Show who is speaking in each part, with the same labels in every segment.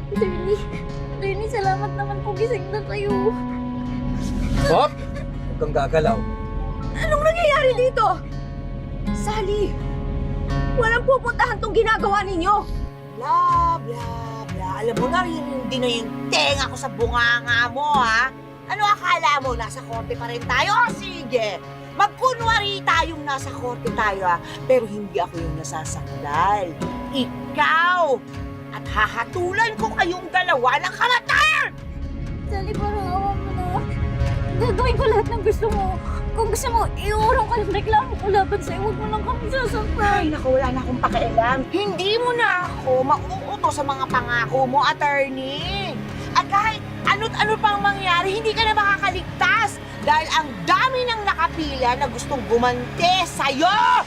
Speaker 1: Attorney, salamat naman po gising na kayo.
Speaker 2: Hop! Huwag kang gagalaw.
Speaker 3: Anong nangyayari dito? Sally, walang pupuntahan tong ginagawa ninyo. Bla, bla, bla. Alam mo, naririnig na yung tenga ko sa bunganga mo, ha? Ano akala mo? Nasa korte pa rin tayo? O, sige. Magkunwari tayong nasa korte tayo, ha? Pero hindi ako yung nasasakdal. Ikaw! At hahatulan ko kayong dalawa ng kamatayan!
Speaker 1: Sally, parang awa mo na. Gagawin ko lahat ng gusto mo. Kung gusto mo, iurong ka ng reklamo ko laban sa'yo. Huwag mo lang kami sasaktan.
Speaker 3: Ay, naku, wala na akong pakialam. Hindi mo na ako mauuto sa mga pangako mo, attorney. At kahit ano't-ano pang mangyari, hindi ka na makakaligtas. Dahil ang dami ng nakapila na gustong gumante sa'yo!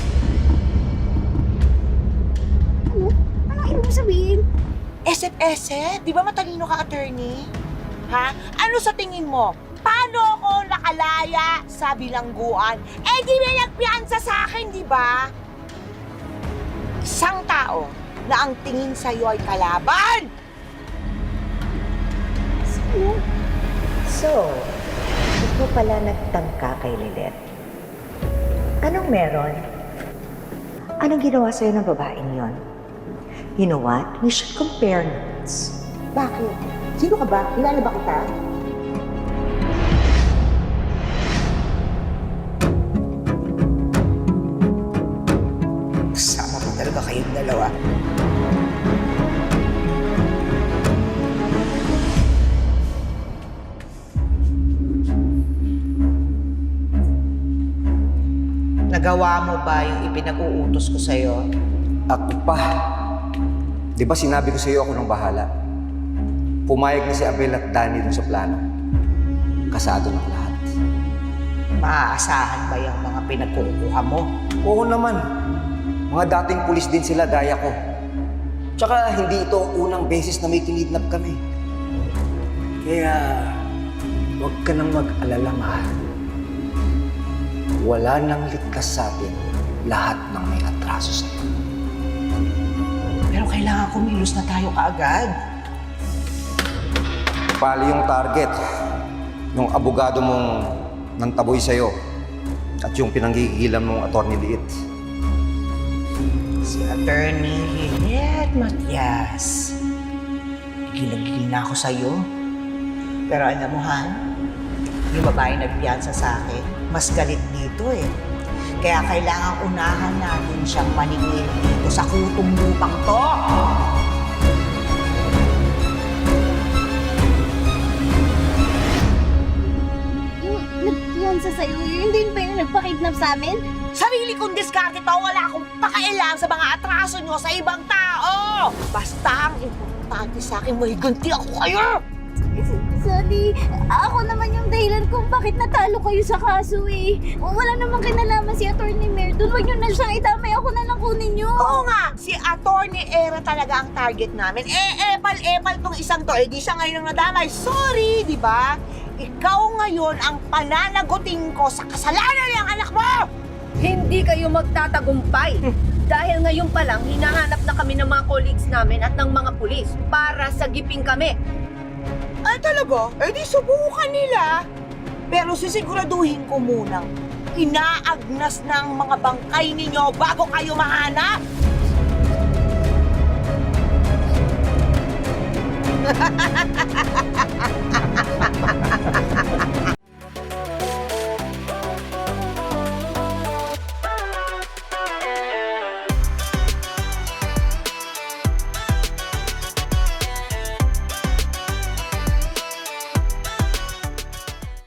Speaker 1: Anong ibig sabihin?
Speaker 3: SF, di ba matalino ka, attorney? Ha? Ano sa tingin mo? Paano ako nakalaya sa bilangguan? Eh, di may nagpiansa sa akin, di ba? Isang tao na ang tingin sa'yo ay kalaban!
Speaker 4: So, ito pala nagtangka kay Lilet. Anong meron? Anong ginawa sa'yo ng babaeng yon? You know what? We should compare notes.
Speaker 3: Bakit? Sino ka ba? Kilala ba kita? Sama ko talaga kayong dalawa. Nagawa mo ba yung ipinag-uutos ko sa'yo?
Speaker 2: Ako pa. Di ba sinabi ko sa iyo ako nang bahala? Pumayag na si Abel at Danny dun sa plano. Kasado ng lahat.
Speaker 3: Maaasahan ba yung mga pinagkukuha mo?
Speaker 2: Oo naman. Mga dating pulis din sila, daya ko. Tsaka hindi ito ang unang beses na may kinidnap kami. Kaya, huwag ka nang mag-alala, mahal. Wala nang ligtas sa atin lahat ng may atraso sa'yo.
Speaker 3: Pero kailangan kumilos na tayo kaagad.
Speaker 2: Pali yung target, yung abogado mong nantaboy sa'yo at yung pinanggigilan mong attorney Liit.
Speaker 3: Si Attorney Lilet Matias. Gigil na ako sa'yo. Pero alam mo, Han, yung babae nagpiyansa sa akin, mas galit dito eh. Kaya kailangan unahan natin siyang maningil dito sa kutong lupang to.
Speaker 1: Yung nagpiyansa sa'yo, yun din ba yung nagpakidnap sa amin?
Speaker 3: Sarili kong diskarte to, wala akong pakailang sa mga atraso nyo sa ibang tao! Basta ang importante sa akin, may ganti ako kayo!
Speaker 1: Sally, ako naman yung dahilan kung bakit natalo kayo sa kaso eh. Wala namang kinalaman si Attorney Merdon. Huwag nyo na siyang itamay. Ako na lang kunin nyo.
Speaker 3: Oo nga, si Attorney Era talaga ang target namin. Epal tong isang to. Di siya ngayon ang nadamay. Sorry, di ba? Ikaw ngayon ang pananagutin ko sa kasalanan ng anak mo!
Speaker 5: Hindi kayo magtatagumpay. Dahil ngayon pa lang, hinahanap na kami ng mga colleagues namin at ng mga pulis para sagipin kami.
Speaker 3: Ay talaga? Eh di subukan nila. Pero sisiguraduhin ko munang inaagnas ng mga bangkay ninyo bago kayo mahanap.